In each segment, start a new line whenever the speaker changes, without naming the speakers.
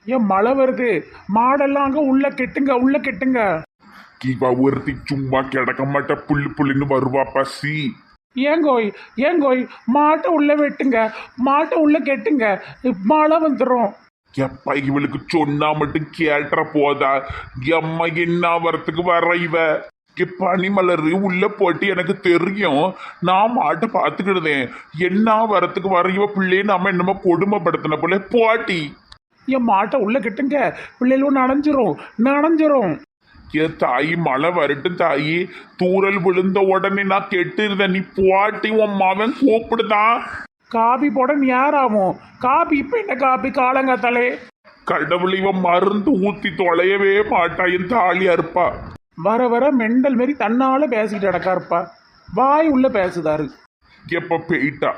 ஏன் மழை வருது, மாடெல்லாம் அங்க உள்ள கெட்டுங்க, உள்ள கெட்டுங்க.
இவ ஒருத்தி சும்மா கிடக்க மாட்டா, புல்லு புல்லுன்னு வருவா பசி.
ஏங்கோய் ஏங்கோய், மாட்டை உள்ள வெட்டுங்க, மாட்டை உள்ள கெட்டுங்க, மழை வந்துடும்.
எப்ப இவளுக்கு சொன்னா மட்டும் கேட்டுற போதா? எம்மா என்ன வரத்துக்கு வர இவ? பனிமலரு உள்ள போட்டு எனக்கு தெரியும், நான் மாட்டை பார்த்துக்கிடுதேன். என்ன வரத்துக்கு வர இவ பிள்ளைய நாம என்னமோ கொடுமைப்படுத்தின போல போட்டி.
என் மாட்டை உள்ள கெட்டுங்க, பிள்ளைகளும் நனைஞ்சிரும் நனைஞ்சிரும்.
ஏ தாயி, மழை வரட்டும் தாயி. தூரல் விழுந்த உடனே நான் கெட்டுருந்தேன். நீ போட்டி, உன் மகன் கூப்பிடுதான்.
காபி போட நேராகும். காபி இப்ப என்ன காபி காலங்காத்தாலே?
கடவுள், இவன் மருந்து ஊத்தி தொலையவே மாட்டா. என் தாலியா இருப்பா.
வர வர மெண்டல் மாரி தன்னால பேசிக்கிட்டு அடக்கா இருப்பா. வாய் உள்ள பேசுதாரு.
எப்ப போயிட்டா?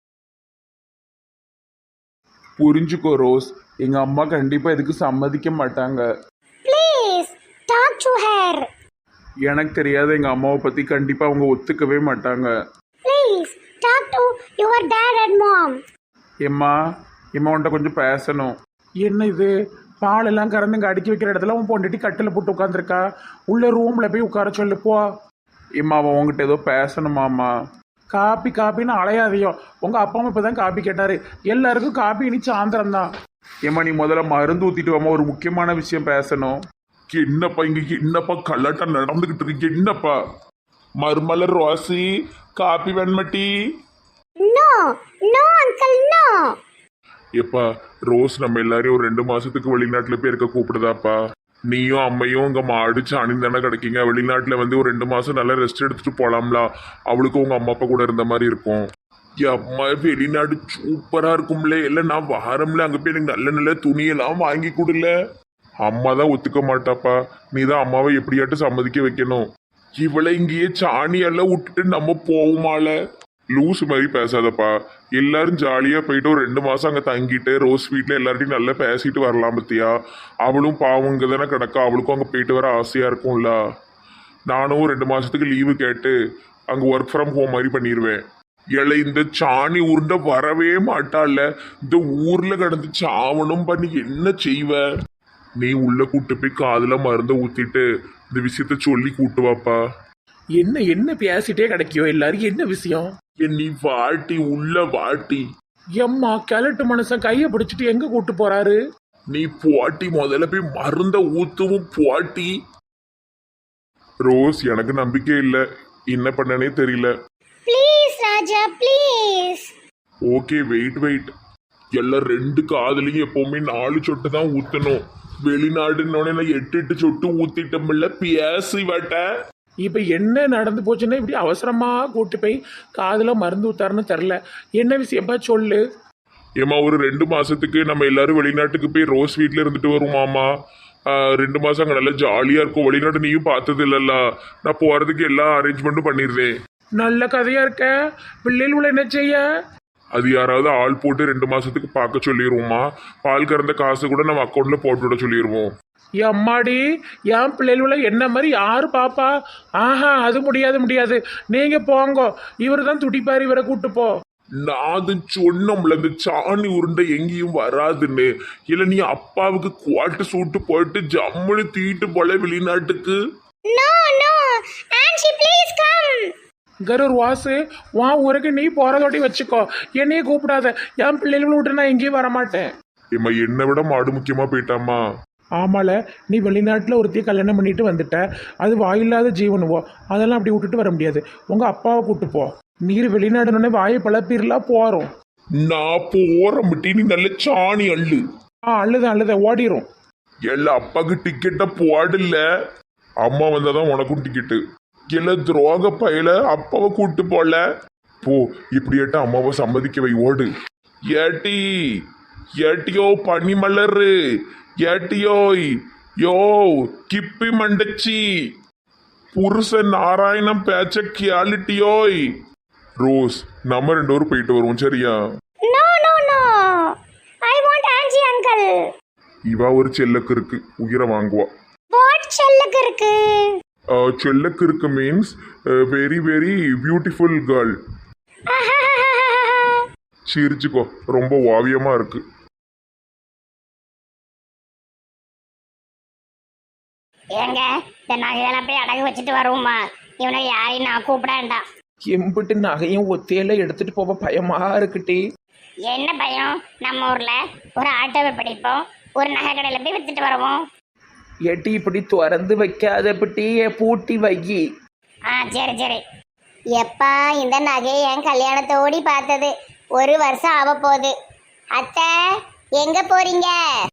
புரிஞ்சுக்கோ ரோஸ், எங்க அம்மா கண்டிப்பா இதுக்கு சம்மதிக்க மாட்டாங்க.
Please talk to her.
எனக்கு தெரியாத எங்க அம்மாவை பத்தி கண்டிப்பா அவங்க ஒத்துக்கவே மாட்டாங்க.
Please talk to your dad and mom.
எம்மா, உன்கிட்ட கொஞ்சம் பேசணும்.
என்ன இது, பால் எல்லாம் கறந்து இங்கே அடுக்கி வைக்கிற இடத்துல உன் பொண்டுட்டி கட்டில் போட்டு உட்காந்துருக்கா. உள்ள ரூம்ல போய் உட்கார சொல்லு போ.
எம்மா, அவன் உங்ககிட்ட ஏதோ பேசணுமாம்மா.
காப்பி காப்பின்னு அலையாதையோ. உங்க அப்பா அம்மா இப்பதான் காப்பி கேட்டாரு. எல்லாருக்கும் காப்பி இனி சாயந்தரம் தான்.
ஏம்மா, நீ முதல்ல மருந்து ஊத்திட்டு வாமா, ஒரு முக்கியமான விஷயம் பேசணும். என்னப்பா இங்க என்னப்பா கல்லாட்டம் நடந்துகிட்டு இருக்கு? என்னப்பா? மருமலர் ரோசி, காப்பி வெண்மட்டி.
No no uncle no.
எப்பா, ரோஸ் நம்ம எல்லாரையும் ஒரு 2 மாசத்துக்கு வெளிநாட்டுல போய் இருக்க கூப்பிடுதாப்பா. நீயும் அம்மையும் உங்க மாடு சாணி தானே கிடைக்கீங்க. வெளிநாட்டுல வந்து ஒரு 2 மாசம் நல்லா ரெஸ்ட் எடுத்துட்டு போலாம்ல. அவளுக்கும் உங்க அம்மா அப்பா கூட இருந்த மாதிரி இருக்கும். அம்மா, வெளிநாடு சூப்பரா இருக்கும்ல. இல்ல நான் வாரம்ல, அங்க போய் எனக்கு நல்ல நல்ல துணியெல்லாம் வாங்கி கொடுல. அம்மா தான் ஒத்துக்க மாட்டாப்பா. நீ தான் அம்மாவை எப்படியாட்டும் சம்மதிக்க வைக்கணும். இவளை இங்கேயே சாணியெல்லாம் விட்டுட்டு நம்ம போவோமால? லூஸ் மாதிரி பேசாதப்பா. எல்லாரும் ஜாலியா போயிட்டு ஒரு 2 மாசம் அங்க தங்கிட்டு ரோஸ் வீட்ல எல்லார்ட்டையும் நல்லா பேசிட்டு வரலாம் பத்தியா. அவளும் பாவம் இங்க தானே கிடக்கா, அவளுக்கும் அங்க போயிட்டு வர ஆசையா இருக்கும்ல. நானும் 2 மாசத்துக்கு லீவு கேட்டு அங்க ஒர்க் ஃப்ரம் ஹோம் மாதிரி பண்ணிடுவேன். ஏழை, இந்த சாணி உருண்டை வரவே மாட்டாள்ல. இந்த ஊர்ல கிடந்து சாவணும் பண்ணி என்ன செய்வ? நீ உள்ள கூட்டு போய் காதுல மருந்த ஊத்திட்டு இந்த விஷயத்த சொல்லி கூட்டு வாப்பா.
என்ன என்ன பேசிட்டே கிடைக்கியோ எல்லாரும், என்ன விஷயம்?
நீ வாட்டி, உள்ள வாட்டி.
எம்மா, கிழட்டு மனுஷன் கையை பிடிச்சிட்டு எங்க கூட்டு போறாரு?
நீ போட்டி, முதல்ல போய் மருந்த ஊத்துவும் போட்டி. ரோஸ், எனக்கு நம்பிக்கை இல்லை, என்ன பண்ணனே தெரியல.
Please Raja please.
Okay, wait. எல்லாம் 2 காதுலையும் எப்பவுமே 4 சொட்டு தான் ஊத்தணும். வெளிநாடுன்னு 8 சொட்டு ஊத்திட்டோம்ல, பேசி வட்ட.
இப்ப என்ன நடந்து போச்சுன்னா இப்படி அவசரமா கூட்டு போய் காதுல மருந்து ஊத்தாருன்னு தெரில. என்ன விஷயப்பா சொல்லு.
ஏமா, ஒரு 2 மாசத்துக்கு நம்ம எல்லாரும் வெளிநாட்டுக்கு போய் ரோஸ் வீட்ல இருந்துட்டு வருமாமா. 2 மாசம் அங்க நல்லா ஜாலியா இருக்கும். வெளிநாட்டு நீயும் பார்த்தது இல்லல்ல. நான் போறதுக்கு எல்லா அரேஞ்ச்மெண்ட்டும் பண்ணிடுறேன்.
நல்ல கதையா இருக்க. பிள்ளைகள் என்ன செய்ய?
அது யாராவது ஆள் போட்டு 2 மாசத்துக்கு பார்க்க சொல்லிடுவோமா. பால் கறந்த காசு கூட நம்ம அக்கௌண்ட்ல போட்டு விட சொல்லிடுவோம்.
அம்மாடி, என் பிள்ளைகள என்ன மாதிரி யாரு பாப்பா? ஆஹா, அது முடியாது. நீங்க போங்க, இவரு தான் துடிப்பாரு, இவரை கூட்டு போ.
நான் அது சொன்னோம்ல, இந்த சாணி உருண்டை எங்கேயும் வராதுன்னு. இல்ல நீ அப்பாவுக்கு குவாட்டு சூட்டு போட்டு ஜம்முன்னு தீட்டு போல வெளிநாட்டுக்கு.
No no aunty please come.
Karur Vasu, உன் ஊருக்கு நீ போறதோட்டி வச்சுக்கோ, என்னையே கூப்பிடாத. என் பிள்ளைகளை விட்டு நான் எங்கேயும் வரமாட்டேன்.
ஏம்மா, என்னை விட மாடு முக்கியமா போயிட்டாமா.
ஆமால, நீ வெளிநாட்டில் ஒருத்தைய கல்யாணம் பண்ணிட்டு வந்துட்ட. அது வாயில்லாத ஜீவனுவோ, அதெல்லாம் அப்படி விட்டுட்டு வர முடியாது. உங்க அப்பாவை கூட்டு போ. நீர் வெளிநாடுனே வாயை பழப்பீர்லாம் போறோம்.
நான் போற முட்டி, நீ நல்ல சாணி அள்ளு.
அழுத ஓடிரும்.
எல்லா அப்பாவுக்கு டிக்கெட்டை போடல. அம்மா வந்தாதான் உனக்கும் டிக்கெட்டு. எல்லா துரோக பையில அப்பாவை கூட்டு போல. போ, இப்படியாட்ட அம்மாவை சம்மதிக்க வை, ஓடு. ஏட்டியோ பனிமலரு, ஏட்டியோய் யோ கிப்பி மண்டச்சி, புருஷன் நாராயணம் பேச்ச கியாலிட்டியோய். ரோஸ், நம்ம 2 பேரும் போயிட்டு வருவோம், சரியா?
No no no I want aunty uncle.
இவா ஒரு செல்லக்கு இருக்கு, உயிரை வாங்குவா.
வாட் செல்லக்கு இருக்கு?
செல்லக்கு இருக்கு means very very beautiful girl. சிரிச்சுக்கோ, ரொம்ப ஓவியமா இருக்கு.
ஏங்க இந்த நகையெல்லாம் போய் அடகு வச்சுட்டு வருவோமா? இவனை யாரையும் நான் கூப்பிடாண்டாம்.
எம்பிட்டு நகையும் ஒத்தையில எடுத்துட்டு போக பயமா இருக்குட்டி.
என்ன பயம்? நம்ம ஊர்ல ஒரு ஆட்டோவை பிடிப்போம், ஒரு நகை கடையில போய் வித்துட்டு வருவோம்.
எட்டி இப்படி திறந்து வைக்காத பிட்டி பூட்டி வையி.
சரி சரி. எப்பா இந்த நகையை என் கல்யாணத்தோடி பார்த்தது 1 வருஷம் ஆக போகுது. அத்தை எங்க போறீங்க?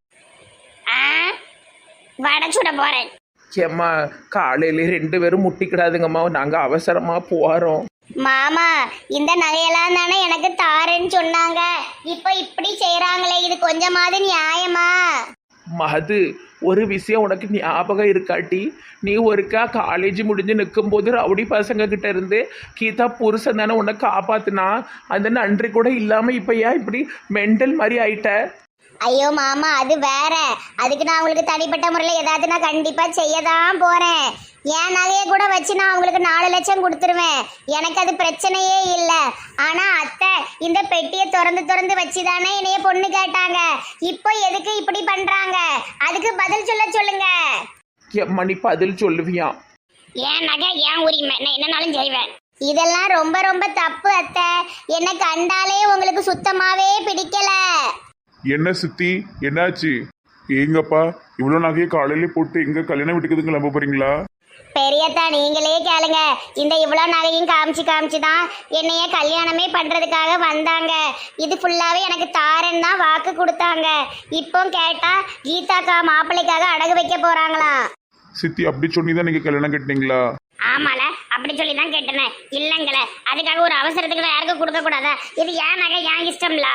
வடை சுட போறேன்.
ஏம்மா காலையில 2 பேரும் முட்டிக்கிடாதுங்கம்மா, நாங்க அவசரமா போறோம்.
மாமா இந்த நகையெல்லாம் தானே எனக்கு தாரேன்னு சொன்னாங்க, இப்போ இப்படி செய்யறாங்களே, இது கொஞ்சமாவது நியாயமா?
மது, ஒரு விஷயம் உனக்கு ஞாபகம் இருக்காட்டி, நீ ஒருக்கா காலேஜ் முடிஞ்சு நிற்கும்போது ரவுடி பசங்க கிட்ட இருந்து கீதா புருஷன் தானே உன்னை காப்பாத்துனா, அந்த நன்றி கூட இல்லாம இப்ப ஏன் இப்படி மெண்டல் மாதிரி ஆயிட்ட?
ஐயோ மாமா, அது வேற. அதுக்கு நான் உங்களுக்கு தனிப்பட்ட முறையில் ஏதாவது நான் கண்டிப்பா செய்ய தான் போறேன். என் நகையை கூட வச்சு நான் உங்களுக்கு 4 லட்சம் கொடுத்துருவேன், எனக்கு அது பிரச்சனையே இல்லை. ஆனா அத்தை இந்த பெட்டியை திறந்து வச்சுதானே என்னைய பொண்ணு கேட்டாங்க, இப்போ எதுக்கு இப்படி பண்றாங்க? அதுக்கு பதில் சொல்லுங்க.
எம்மா நீ பதில் சொல்லுவியா?
என் நகை என் உரிமை, நான் என்னனாலும் செய்வேன். இதெல்லாம் ரொம்ப ரொம்ப தப்பு அத்தை. என்ன கண்டாலே உங்களுக்கு சுத்தமாவே பிடிக்கல.
என்ன சித்தி, என்னாச்சு? ஏங்கப்பா இவ்வளோ நகையை காலையிலே போட்டு எங்க கல்யாண வீட்டுக்கு கிளம்ப போறீங்களா?
பெரியத்தா நீங்களே கேளுங்க. இந்த இவ்வளோ நகையும் காமிச்சு தான் என்னைய கல்யாணமே பண்றதுக்காக வந்தாங்க. இது ஃபுல்லாவே எனக்கு தாரன் தான் வாக்கு கொடுத்தாங்க. இப்போ கேட்டா கீதாக்கா மாப்பிள்ளைக்காக அடகு வைக்க போறாங்களாம்.
சித்தி அப்படி சொன்னி தான் நீங்க கல்யாணம் கட்டினீங்களா?
ஆமால, அப்படி சொல்லி தான் கேட்டேன். இல்லைங்கள, அதுக்காக ஒரு அவசரத்துக்கு யாருக்கும் கொடுக்க கூடாதா? இது ஏன் நகை ஏன் இஷ்டம்ல.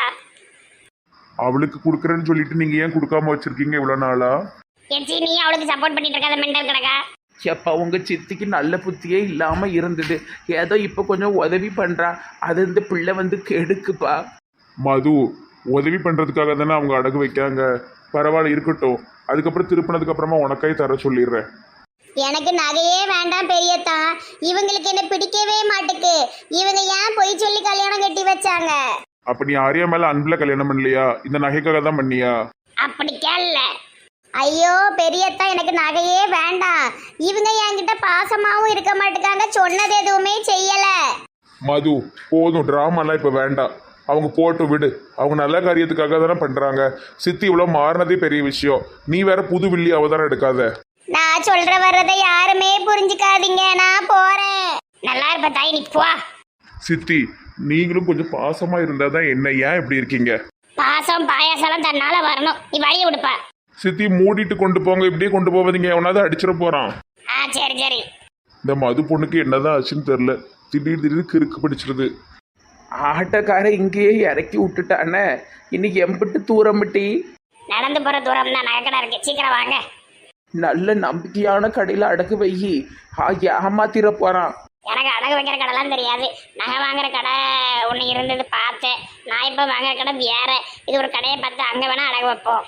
அவளுக்கு கொடுக்குறேன்னு சொல்லிட்டு நீங்க ஏன் கொடுக்காம வச்சிருக்கீங்க இவ்வளோ நாளா?
எச்சி நீ அவளுக்கு சப்போர்ட் பண்ணிட்டு இருக்காத மெண்டல் கிடக்கா.
எப்போ உங்க சித்திக்கு நல்ல புத்தியே இல்லாம இருந்தது, ஏதோ இப்போ கொஞ்சம் உதவி பண்றா, அது இந்த பிள்ளை வந்து கெடுக்குப்பா.
மது, உதவி பண்றதுக்காக தானே அவங்க அடகு வைக்காங்க. பரவாயில்ல இருக்கட்டும், அதுக்கப்புறம் திருப்பினதுக்கு அப்புறமா உனக்காய் தர சொல்லிடுறேன்.
எனக்கு நகையே வேண்டாம் பெரியத்தா, இவங்களுக்கு என்ன பிடிக்கவே மாட்டுக்கு. இவங்க ஏன் பொய் சொல்லி கல்யாணம் கட்டி வச்சாங்க?
அப்ப நீ ஆரியா மேல அன்புல கல்யாணம் பண்ணலையா? இந்த நகைக்காக தான் பண்ணியா?
அப்படி கேள்ல. ஐயோ பெரியத்தா, எனக்கு நகையே வேண்டாம். இவங்க என்கிட்ட பாசமாவும் இருக்க மாட்டேங்காங்க, சொன்னது எதுவுமே செய்யல.
மது போதும், டிராமாலாம் இப்ப வேண்டாம். அவங்க போட்டு விடு, அவங்க நல்ல காரியத்துக்காக தானே பண்றாங்க. சித்தி இவ்வளவு மாறினதே பெரிய விஷயம், நீ வேற புது வில்லி அவதாரம் எடுக்காத.
நான் சொல்ற வர்றதை யாருமே புரிஞ்சுக்காதீங்க, நான் போறேன். நல்லா இருப்ப தாய், நீ போ.
சித்தி நீங்களும் கொஞ்சம் பாசமா இருந்தாதான் என்ன, ஏன் இப்படி இருக்கீங்க?
பாசம் பாயாசம் தன்னால வரணும், நீ வழிய விடுப்பா.
சித்தி மூடிட்டு கொண்டு போங்க, இப்படியே கொண்டு போவதீங்க, எவனாவது அடிச்சிட போறான்.
சரி சரி.
இந்த மது பொண்ணுக்கு என்னதான் ஆச்சுன்னு தெரியல, திடீர்னு கிறுக்கு பிடிச்சிருது.
ஆட்டக்கார இங்கேயே இறக்கி விட்டுட்டானே, இன்னைக்கு எம்பிட்டு தூரமிட்டி.
நடந்து போற தூரம் தான், நகைக்கடை இருக்கு, சீக்கிரம் வாங்க.
நல்ல நம்பிக்கையான கடையில் அடகு வையி, ஏமாத்திர போறான்.
எனக்கு அடகு வைக்கிற கடைலாம் தெரியாது, நகை வாங்குற கடை ஒன்று இருந்தது பார்த்தேன். நான் இப்போ வாங்குற கடை வேற, இது ஒரு கடையை பார்த்து அங்கே வேணா அடகு வைப்போம்.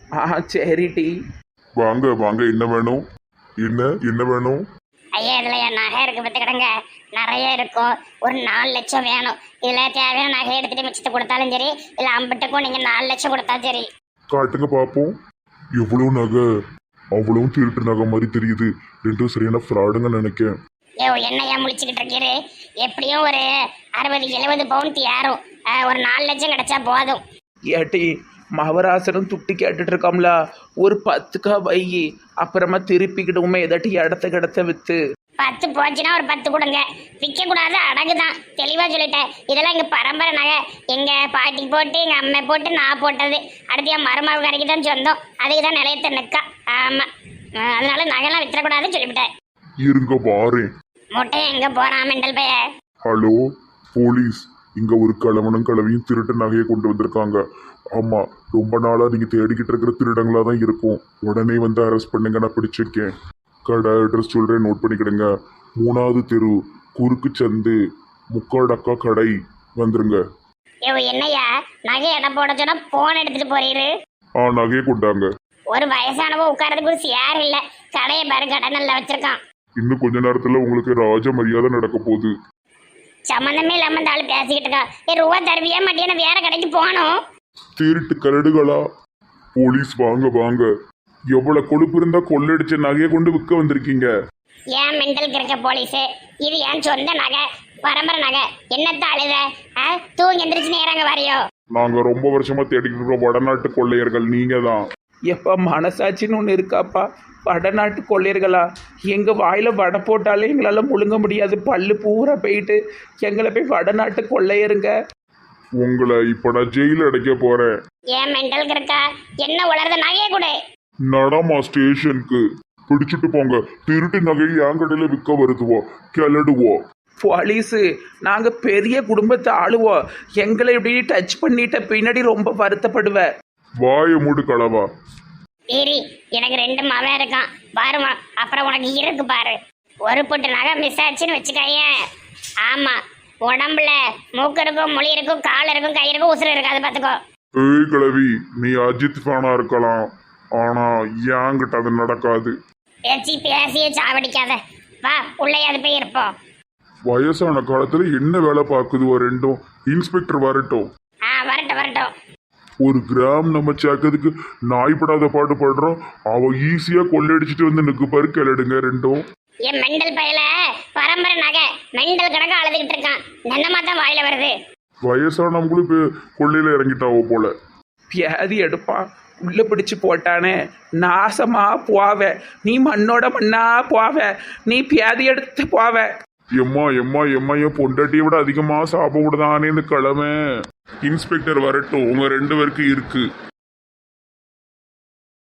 சரிடி.
வாங்க வாங்க, என்ன வேணும்? என்ன வேணும்?
ஐயா இதில் என் நகை இருக்கு பார்த்துக்கிடுங்க, நிறைய இருக்கும். ஒரு 4 லட்சம் வேணும். இதில் தேவையான நகை எடுத்துட்டு மிச்சத்தை கொடுத்தாலும் சரி, இல்லை அம்பிட்டுக்கும் நீங்கள் 4 லட்சம் கொடுத்தாலும் சரி.
காட்டுங்க பார்ப்போம். எவ்வளோ நகை? அவ்வளவு திருட்டு நகை மாதிரி தெரியுது, ரெண்டும் சரியான ஃப்ராடுங்க நினைக்கேன்.
என்ன ஏன் முழிச்சுக்கிட்டு இருக்கீரு? எப்படியும் ஒரு 60-70 பவுன் ஏறும். ஒரு 4 லட்சம் கிடைச்சா போதும்.
ஏட்டி மகராசனும் துட்டி கேட்டுட்டு இருக்காம்ல, ஒரு 10 வையி, அப்புறமா திருப்பிக்கிடுவோமே ஏதாட்டி இடத்த வித்து.
10 போச்சுன்னா ஒரு 10 கொடுங்க, விற்க கூடாது, அடகுதான். தெளிவா சொல்லிட்டேன். இதெல்லாம் எங்க பரம்பரை நகை, எங்க பாட்டி போட்டு எங்க அம்மா போட்டு நான் போட்டது. அடுத்து என் மருமக கரைக்கு தான் சொந்தம், அதுக்கு தான் நிலையத்தை நிற்கா. ஆமா, அதனால நகைலாம் வித்துறக்கூடாதுன்னு சொல்லிவிட்டேன்.
இருங்க வாரேன்.
முட்டையை எங்க போறான் மெண்டல் பைய?
ஹலோ போலீஸ், இங்க ஒரு கிழவனும் கிழவியும் திருட்டு நகையை கொண்டு வந்திருக்காங்க. ஆமா, ரொம்ப நாளா நீங்க தேடிக்கிட்டு இருக்கிற திருடங்களா தான் இருக்கும். உடனே வந்து அரெஸ்ட் பண்ணுங்க, நான் பிடிச்சிருக்கேன். கடை அட்ரஸ் சொல்றேன், நோட் பண்ணிக்கிடுங்க. 3வது தெரு, குறுக்கு சந்து, முக்காடக்கா கடை, வந்துருங்க.
என்னையா நகை இடம் போட சொன்னா போன் எடுத்துட்டு போறீரு?
நகையை கொண்டாங்க.
ஒரு வயசானவோ உட்காரதுக்கு ஒரு சேர் இல்ல, கடையை பாரு, கடை நல்லா வச்சிருக்கான்.
இன்னும் கொஞ்ச நேரத்துல உங்களுக்கு ராஜ மரியாதை நடக்க போகுது.
சம்பந்தமே இல்லாம இந்த ஆளு பேசிக்கிட்டு இருக்கா. ரூபா தருவியா மாட்டியா? வேற கடைக்கு போகணும்.
திருட்டு கரடுகளா? போலீஸ் வாங்க வாங்க, எவ்வளவு கொழுப்பு இருந்தா கொள்ளடிச்ச நகையை கொண்டு விற்க வந்திருக்கீங்க.
ஏன் மெண்டல் இருக்க போலீஸு, இது ஏன் சொந்த நகை, பரம்பரை நகை, என்னத்த அழுத? தூங்கி எந்திரிச்சு நேரங்க வரையோ?
நாங்க ரொம்ப வருஷமா தேடிக்கிட்டு இருக்கோம் வடநாட்டு கொள்ளையர்கள், நீங்க தான்.
எப்பா மனசாட்சின்னு ஒன்று இருக்காப்பா? வடநாட்டு கொள்ளையர்களா? எங்கள் வாயில் வடை போட்டாலே எங்களால் முழுங்க முடியாது, பல்லு பூரா போயிட்டு எங்களை போய் வடநாட்டு கொள்ளையருங்க.
உங்களை இப்ப நான் ஜெயில அடைக்க போறேன்.
ஏன் மெண்டல் இருக்கா? என்ன உளர்த நகையை கூட?
நடமா ஸ்டேஷனுக்கு பிடிச்சிட்டு போங்க. திருட்டு நகையை என் கடையில விற்க வருதுவோ, கிளடுவோம்.
போலீஸு, நாங்கள் பெரிய குடும்பத்தை ஆளுவோம், எங்களை இப்படி டச் பண்ணிட்ட பின்னாடி ரொம்ப வருத்தப்படுவேன்.
வாய மூடு களவா.
சரி, எனக்கு 2 மவன் இருக்கான் பாருமா, அப்புறம் உனக்கு இருக்கு பாரு. ஒரு பொட்டு நகை மிஸ் ஆச்சுன்னு வச்சுக்கேன். ஆமா, உடம்புல மூக்கு இருக்கும், மொழி இருக்கும், கால் இருக்கும், கை இருக்கும், உசுறு இருக்காது பார்த்துக்கோ.
ஏய் கிழவி, நீ அஜித் ஃபேனா இருக்கலாம், ஆனா என்கிட்ட அது நடக்காது.
பேசியே சாவடிக்காத, வா உள்ளேயாவது போய் இருப்போம்.
வயசான காலத்துல என்ன வேலை பார்க்குதுவோ ரெண்டும். இன்ஸ்பெக்டர் வரட்டும்.
வரட்டும் வரட்டும்.
ஒரு கிராம் நம்ம சேர்க்கறதுக்கு நாய்படாத பாட்டு பாடுறோம். அவ ஈஸியா கொள்ளடிச்சிட்டு வந்து நிற்கு பாரு, கிளடுங்க ரெண்டும்.
என் மெண்டல் பயல பரம்பரை நகை மெண்டல் கணக்கா அழுதுகிட்டு இருக்கான். என்னமா தான் வாயில வருது?
வயசானவங்களும் இப்போ கொள்ளையில இறங்கிட்டாவோ போல.
வியாதி எடுப்பான், உள்ள பிடிச்சு போட்டானே, நாசமா போவ நீ, மண்ணோட மண்ணா போவ நீ, வியாதி எடுத்து போவ.
எம்மா எம்மா எம்மா, என் பொண்டாட்டியை விட அதிகமா சாப்பிட விடுதானே இந்த கிழமை. இன்ஸ்பெக்டர் வரட்டும், உங்க 2 பேருக்கு இருக்கு.